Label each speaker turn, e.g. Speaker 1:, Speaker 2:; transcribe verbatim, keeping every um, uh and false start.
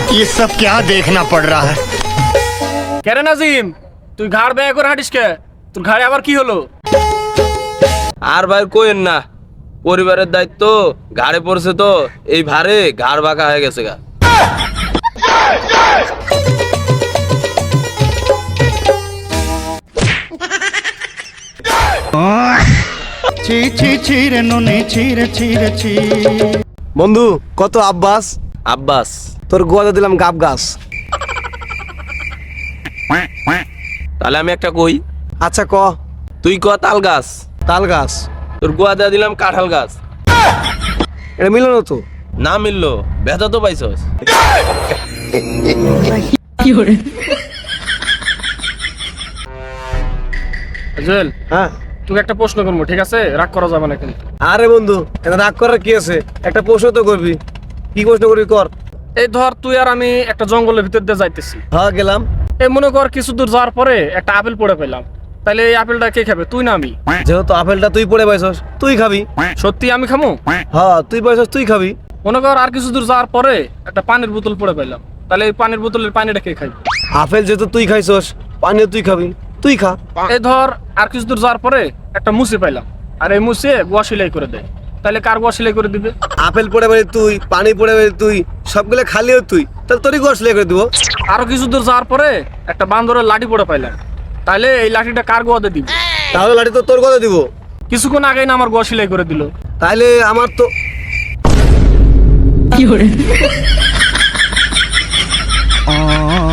Speaker 1: ये सब क्या देखना पड़ रहा है?
Speaker 2: কেরে নাজিম, তুই ঘাড় ব্যয় করে হাঁটিস কে? তোর ঘাড়ে আবার কি হলো?
Speaker 3: আর ভাই কোয়েন না, পরিবারের দায়িত্ব ঘাড়ে পড়ছে তো এই ভারে ঘাড় বাঁকা হয়ে গেছে গা।
Speaker 1: ছি ছি ছি রে ননি ছি রে ছি রে ছি।
Speaker 4: বন্ধু কত আব্বাস,
Speaker 3: আব্বাস
Speaker 4: তোর গোয়াতে দিলাম গাব গাছ।
Speaker 3: তাহলে আমি একটা কই,
Speaker 4: আচ্ছা ক।
Speaker 3: তুই ক তাল গাছ,
Speaker 4: তাল গাছ।
Speaker 3: তোর গোয়া দিয়ে দিলাম কাঁঠাল গাছ।
Speaker 4: এটা মিলল না তো।
Speaker 3: না মিললো, ব্যথা তো পাইছস।
Speaker 2: জুয়েল,
Speaker 4: হ্যাঁ
Speaker 2: তোকে একটা প্রশ্ন করবো, ঠিক আছে? রাগ করা যাবে না কিন্তু।
Speaker 4: আরে বন্ধু এটা রাগ করার কি আছে, একটা প্রশ্ন তো করবি। কি প্রশ্ন করবি কর।
Speaker 2: এই ধর তুই আর আমি একটা জঙ্গলের ভিতর দিয়ে যাইতেছি।
Speaker 4: হ্যাঁ গেলাম।
Speaker 2: এই মনে কর কিছু দূর যাওয়ার পরে একটা আপেল পড়ে পেলাম, তাহলে এই আপেলটা কে খাবে, তুই না আমি?
Speaker 4: যেহেতু আপেলটা তুই পড়ে পাইছস তুই খাবি।
Speaker 2: সত্যি আমি খামো?
Speaker 4: হ্যাঁ তুই পাইছস তুই খাবি।
Speaker 2: মনে কর আর কিছু দূর যাওয়ার পরে একটা পানির বোতল পড়ে পেলাম, তাহলে এই পানির বোতলের পানিটা কে খাই?
Speaker 4: আপেল যেহেতু তুই খাইছস পানিও তুই খাবি, তুই খা।
Speaker 2: এই ধর আর কিছু দূর যাওয়ার পরে একটা মুসি পাইলাম, আর এই মুসে গোয়া সেলাই করে দেয়, তাহলে কার গোয়া সেলাই করে দিবে?
Speaker 4: আপেল পড়ে পারি তুই, পানি পড়ে পারি তুই, সবগুলো খালিও তুই, তাহলে তোরই গোয়া সেলাই করে দিব।
Speaker 2: আরো কিছু দূর যাওয়ার পরে একটা বান্দরের লাঠি পড়ে পাইলাম, তাহলে এই লাঠিটা কার গোয়াতে দিবে?
Speaker 4: তাহলে লাঠি তো তোর কথা দিব।
Speaker 2: কিছুক্ষণ আগেই না আমার গোয়া সেলাই করে দিল।
Speaker 4: তাহলে আমার তো
Speaker 1: आ